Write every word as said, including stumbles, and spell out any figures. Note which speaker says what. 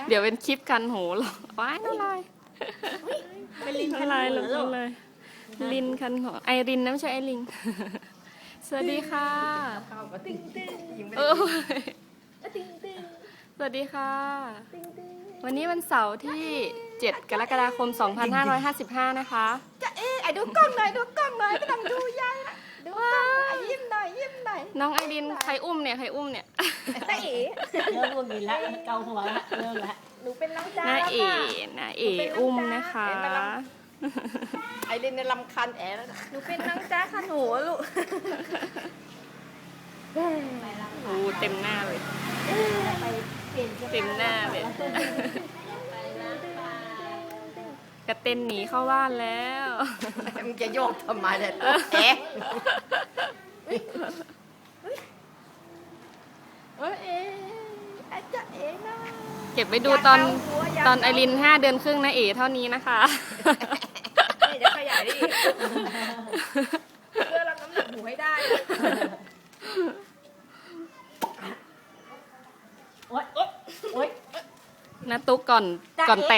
Speaker 1: เดี๋ยวเป็นคลิปกันหูหรอกว้ายน้ำลาย
Speaker 2: เป็นลิง
Speaker 1: น้ำลายหลงน้ำลายลินคันหูไอรินนะไม่ใช่ไอลิง สวัสดีค่ะ
Speaker 2: เข้าก็ติ้งติ้งยิงไป
Speaker 1: เออ
Speaker 2: ติ้งติ้ง
Speaker 1: สวัสดีค่ะ
Speaker 2: ติ้งติ้ง
Speaker 1: วันนี้วันเสาร์ที่ เจ็ด กรกฎาคม สองพันห้าร้อยห้าสิบห้า นะคะ
Speaker 2: จะเอ๊ะไอ้ดูกล้องหน่อยดูกล้องหน่อยไม่ต้องดูยายนะดูกล้องหน่อยยิ้มหน่อยยิ้มหน่อย
Speaker 1: น้องไอรินใครอุ้มเนี่ยใครอุ้มเนี่ย
Speaker 2: ตาเอ๋
Speaker 3: เริ่มวุ่นวายละเกาหัวละเริ่มละ
Speaker 2: หนูเป็นน้องจ้า
Speaker 1: น้า
Speaker 2: แล้ว
Speaker 1: เอ๋
Speaker 2: ค่ะ
Speaker 1: น้าเอ๋อุ้มนะคะ
Speaker 2: ไอ้เล่นในลำคันแอ๋แล้วนะหนูเป็นน้องจ้าค่ะหนูลูก
Speaker 1: โอ้เต็มหน้าเลย
Speaker 3: ไปเปลี่ยนสื้อผ้า
Speaker 1: เต็มหน้าเลย กระเต้นหนีเข้าบ้านแล้ว
Speaker 2: มึงจะโยกทำไมเนี่ยตัวแอ๋เออเอ๋อาจจะเอ๋นะ
Speaker 1: เก็บไว้ดูตอนตอนไอรินห้าเดือนครึ่งนะเอ๋เท่านี้นะคะ
Speaker 2: นี่จะขยายได้อีกเพื่อรับน้ำหนักหมูให้ได้นะ
Speaker 3: โอ๊ยโอ๊ยโอ๊ย
Speaker 1: นะตุ๊กก่อนก่อนแต่ง